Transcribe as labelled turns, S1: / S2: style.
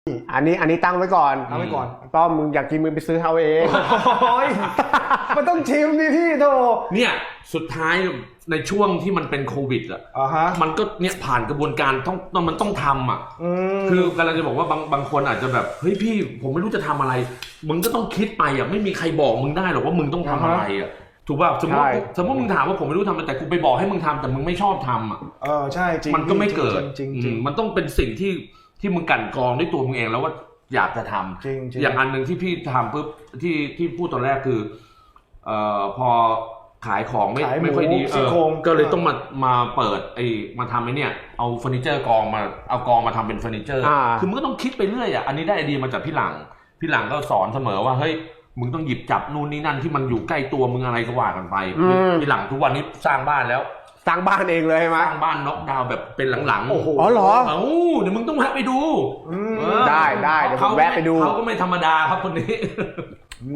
S1: อันนี้ตั้งไว้ก่อนป้อมมึงอยากกินมึงไปซื้อเอาเองมันต้องชิมดิพี่โธ่
S2: เนี่ยสุดท้ายในช่วงที่มันเป็นโควิดมันก็เนี่ยผ่านกระบวนการมันต้องทำคือกำลังจะบอกว่าบางคนอาจจะแบบเฮ้ยพี่ผมไม่รู้จะทำอะไรมึงก็ต้องคิดไปไม่มีใครบอกมึงได้หรอกว่ามึงต้องทำอะไรถูกป่ะสมมติมึงถามว่าผมไม่รู้ทำอะไรแต่กูไปบอกให้มึงทำแต่มึงไม่ชอบทำ
S1: ใช่จริง
S2: มันก็ไม่เกิด
S1: จริง
S2: มันต้องเป็นสิ่งที่มึงกั่นกรองด้วยตัวมึงเองแล้วว่าอยากจะทำ
S1: จริง
S2: อย่างอันหนึ่งที่พี่ทำปุ๊บที่พูดตอนแรกคือพอขายของไม่ค่อยดีก็เลยต้องมาเปิดมาทำเนี่ยเอาเฟอร์นิเจอร์กองมาทำเป็นเฟอร์นิเจอร์คือมึงก็ต้องคิดไปเรื่อยอันนี้ได้ไอเดียมาจากพี่หลังก็สอนเสมอว่าเฮ้ยมึงต้องหยิบจับนู่นนี่นั่นที่มันอยู่ใกล้ตัวมึงอะไรก็ว่ากันไปพี่หลังทุกวันนี้สร้างบ้านแล้ว
S1: สร้างบ้านเองเลยใช่ไหม
S2: สร้างบ้านน็อกดาวน์แบบเป็นหลังๆ
S1: โอ้โหเหรอ
S2: เดี๋ยวมึงต้องแวะไปดู
S1: ได้เดี๋ยวผมแวะไปดู
S2: เขาก็ไม่ธรรมดาครับคนนี้